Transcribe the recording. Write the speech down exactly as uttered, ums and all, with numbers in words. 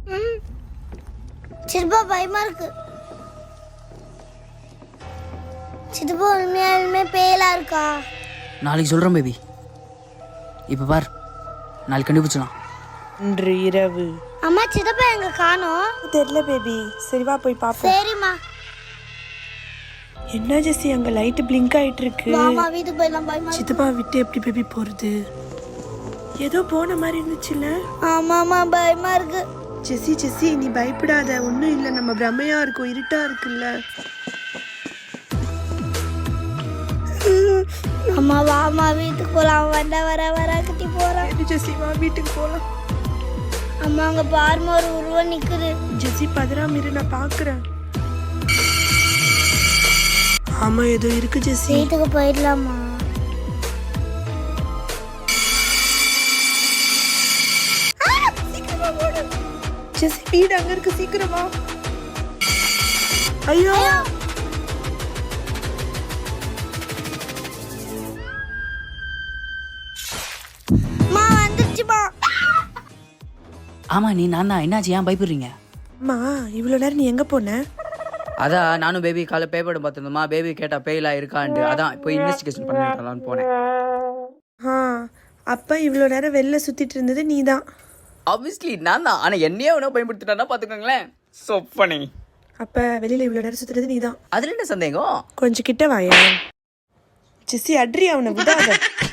சித்தப்பா பயமா இருக்கு. சித்தப்பா உண்மையாலுமே பேயலா இருக்கா? நாளைக்கு சொல்கிறேன் பேபி. இப்போ பார், நாளைக்கு கண்டுபிடிச்சலாம். இன்று இரவு. அம்மா சித்தப்பா எங்க காணோம்? தெரியல பேபி. சரி வா போய் பாப்போம். சரிம்மா. என்ன ஜெசி அங்க லைட் பிளிங்க் ஆயிட்டு இருக்கு. மாமா வீட்டுக்கு போயிடலாம். பயமா இருக்கு. சித்தப்பா விட்டு எப்படி பேபி போறது? ஏதோ போன மாதிரி இருந்துச்சுல்ல. ஆமாமா பயமா இருக்கு. ஜெசி ஜெசி நீ பயப்படாத, ஒன்றும் இல்லை, நம்ம பிரமையா இருக்கும், இருட்டா இருக்குல்ல. அம்மா வாமா வீட்டுக்கு போலாம். வந்த வர வர கட்டி போறான். ஜெசி வா வீட்டுக்கு போலாம். அம்மா அங்க பாருமா ஒரு உருவம் நிக்குது. ஜெசி பதறாம இரு, நான் பாக்குறேன். ஆமா ஏதோ இருக்கு ஜெசி. வீட்டுக்கு போயிடலாமா? ஜெசி வீடு அங்க இருக்கு, சீக்கிரமா. ஐயோ மா வந்துருச்சுமா. ஆமாம், நீ நான் தான். என்னாச்சு, ஏன் பயப்படுறீங்க? அம்மா இவ்வளவு நேரம் நீ எங்க போன? அதான் நானும் பேபி காலை பேப்பர் பார்த்துருந்தோமா, பேபி கேட்டா பேயெல்லாம் இருக்கான்ட்டு, அதான் போய் இன்வெஸ்டிகேஷன் பண்ணிடலான்னு போனேன். ஆ அப்ப இவ்வளவு நேரம் வெளில சுத்திட்டு இருந்தது நீதான். ஆப்வியஸ்லி நான் தான். ஆனால் என்னையே ஒன்றும் பயன்படுத்திட்டானா பார்த்துக்கோங்களேன். சொப்பனி. அப்ப வெளியில இவ்வளவு நேரம் சுத்துறது நீதான். அதில் என்ன சந்தேகம்? கொஞ்சம் கிட்ட வாயா. ஜெசி அட்ரி, அவனை விடாத.